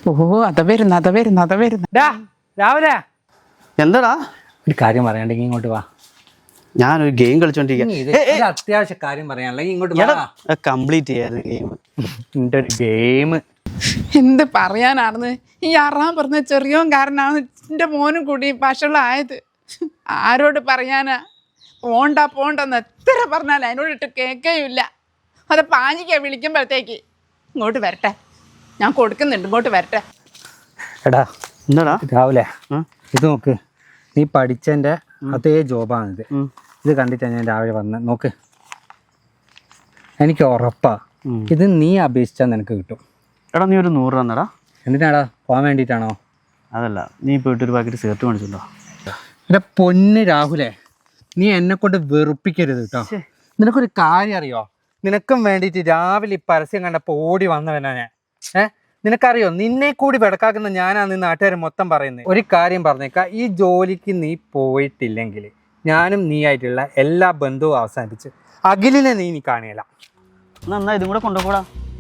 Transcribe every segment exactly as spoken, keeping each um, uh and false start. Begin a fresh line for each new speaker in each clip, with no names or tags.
ഓ അത വരുന്നു അത വരുന്നു അത വരുന്നു
രാവിലെ
എന്താടാ
ഒരു കാര്യം പറയാണ്ടെങ്കിൽ ഇങ്ങോട്ട് വാ.
ഞാനൊരു ഗെയിം കളിച്ചോണ്ടിരിക്കുക.
അത്യാവശ്യ കാര്യം പറയാനുള്ള ഇങ്ങോട്ട്
കംപ്ലീറ്റ് ചെയ്യാറ് ഗെയിം.
എന്റെ ഒരു ഗെയിം
എന്ത് പറയാനാണെന്ന് ഈ അറാൻ പറഞ്ഞ ചെറിയോൻ കാരനാണ് എൻ്റെ മോനും കൂടി വഷളായത്. ആരോട് പറയാനാ? പോണ്ട പോണ്ടെന്ന് എത്ര പറഞ്ഞാൽ അതിനോടിട്ട് കേൾക്കുകയില്ല. അത് പാഞ്ഞിക്കാ വിളിക്കുമ്പോഴത്തേക്ക് ഇങ്ങോട്ട് വരട്ടെ, ഞാൻ കൊടുക്കുന്നുണ്ട്, ഇങ്ങോട്ട് വരട്ടെ.
എടാ
എന്താടാ
രാവിലെ ഇത് നോക്ക്, നീ പഠിച്ചതിൻ്റെ അതേ ജോബാണിത്. ഇത് കണ്ടിട്ടാണ് ഞാൻ രാവിലെ വന്ന് നോക്ക്. എനിക്ക് ഉറപ്പാ ഇത് നീ അപേക്ഷിച്ചാൽ നിനക്ക് കിട്ടും.
എടാ നീ ഒരു നൂറ് തന്നടാ.
എന്തിനാടാ? പോകാൻ വേണ്ടിയിട്ടാണോ?
അതല്ല, നീ പോയിട്ട് ഒരു പാക്കറ്റ് സിഗരറ്റ് മേടിച്ചിട്ടുണ്ടോ?
എടാ പൊന്ന് രാഹുലേ, നീ എന്നെ കൊണ്ട് വെറുപ്പിക്കരുത് കേട്ടോ. നിനക്കൊരു കാര്യം അറിയോ? നിനക്കും വേണ്ടിയിട്ട് രാവിലെ ഈ പരസ്യം കണ്ടപ്പോൾ ഓടി വന്നവനാ ഞാൻ. ഏഹ് നിനക്കറിയോ, നിന്നെ കൂടി വെടക്കാക്കുന്ന ഞാനാന്ന് നാട്ടുകാർ മൊത്തം പറയുന്നത്. ഒരു കാര്യം പറഞ്ഞേക്കാം, ഈ ജോലിക്ക് നീ പോയിട്ടില്ലെങ്കിൽ ഞാനും നീ ആയിട്ടുള്ള എല്ലാ ബന്ധവും അവസാനിപ്പിച്ച് അഖിലിനെ നീ നീ കാണിയല്ല.
എന്നാ ഇതും കൂടെ കൊണ്ടുപോടാ.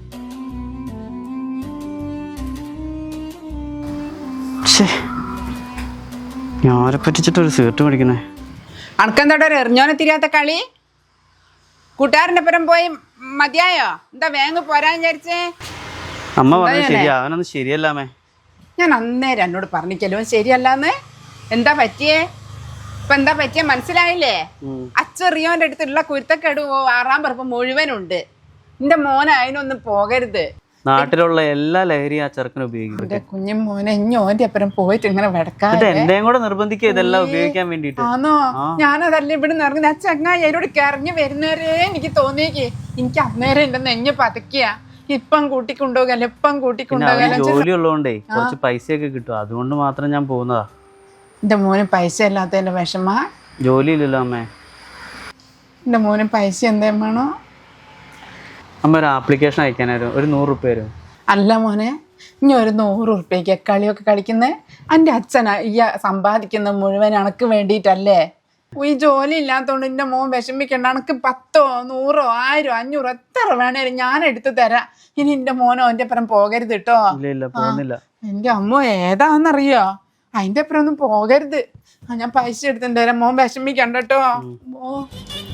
ഞാനെ പറ്റിച്ചിട്ട് ഒരു സിഗരറ്റ് മേടിക്കുന്നേ.
അണക്കെന്തോടെ ഒരു എറിഞ്ഞോനെ തിരിയാത്ത കളി? കൂട്ടുകാരൻ്റെ പുറം പോയി മതിയായോ? എന്താ വേങ്ങ് പോരാൻ വിചാരിച്ചേ?
അമ്മ പറഞ്ഞത് ശരിയാ, അവനൊന്നും ശരിയല്ലാമേ.
ഞാൻ അന്നേരം എന്നോട് പറഞ്ഞിക്കല്ലോ ശരിയല്ലാന്ന്. എന്താ പറ്റിയേ? ഇപ്പൊ എന്താ പറ്റിയ മനസ്സിലായില്ലേ? അച്ചെറിയോന്റെ അടുത്തുള്ള കുരുത്തക്കേട് ആറാം പറമ്പ് മുഴുവനുണ്ട്. എന്റെ മോനെ അതിനൊന്നും പോകരുത്.
നാട്ടിലുള്ള എല്ലാ ലഹരിയും ആ ചെറുക്കനെ ഉപയോഗിക്കും.
എന്റെ കുഞ്ഞു മോനെ ഇഞ്ഞോന്റെ അപ്പുറം പോയിട്ട് ഇങ്ങനെ വെടക്കാതെ
എന്റെയും കൂടെ നിർബന്ധിക്കുക ഇതെല്ലാം ഉപയോഗിക്കാൻ വേണ്ടിട്ട്.
ആണോ? ഞാനതല്ല ഇവിടെ നിന്ന് ആ ചങ്ങായി അതിനോട് കറങ്ങി വരുന്നവരെ എനിക്ക് തോന്നിയേക്ക്. എനിക്ക് അന്നേരം എന്റെ നെഞ്ഞ് പതക്കിയ. ഇപ്പം കൂട്ടിക്കൊണ്ടുപോകല്ല, ഇപ്പം കൂട്ടിക്കൊണ്ടുപോകല്ല.
ജോലി ഉള്ളതുകൊണ്ടേ കുറച്ച് പൈസയൊക്കെ കിട്ടും, അതുകൊണ്ട് മാത്രം ഞാൻ പോകുന്നതാ.
എന്റെ മോന് പൈസ ഇല്ലാത്തതിന്റെ വിഷമ.
ജോലി ഇല്ലല്ലോ അമ്മേ.
എന്റെ മോന് പൈസ എന്തേലും വേണോ?
അമ്മ ഒരു ആപ്ലിക്കേഷൻ അയക്കാനായിരുന്നു, ഒരു നൂറ് റുപ്യ വരും.
അല്ല മോനെ, ഇനി ഒരു നൂറ് ഉറുപ്പ്യക്ക് കളിയൊക്കെ കളിക്കുന്നത് എൻ്റെ അച്ഛനാ ഈ സമ്പാദിക്കുന്ന മുഴുവൻ അണക്ക് വേണ്ടിയിട്ടല്ലേ. ഈ ജോലി ഇല്ലാത്തതുകൊണ്ട് എൻ്റെ മോൻ വിഷമിക്കണ്ട. അണക്ക് പത്തോ നൂറോ ആയിരോ അഞ്ഞൂറോ എത്ര വേണേലും ഞാൻ എടുത്തു തരാം. ഇനി എൻ്റെ മോനോ എൻ്റെ അപ്പുറം പോകരുത് കേട്ടോ. എൻ്റെ അമ്മ ഏതാന്നറിയോ? അതിൻ്റെ അപ്പുറം ഒന്നും പോകരുത്. ഞാൻ പൈസ എടുത്തിട്ട് തരാം, മോൻ വിഷമിക്കണ്ട കേട്ടോ. ഓ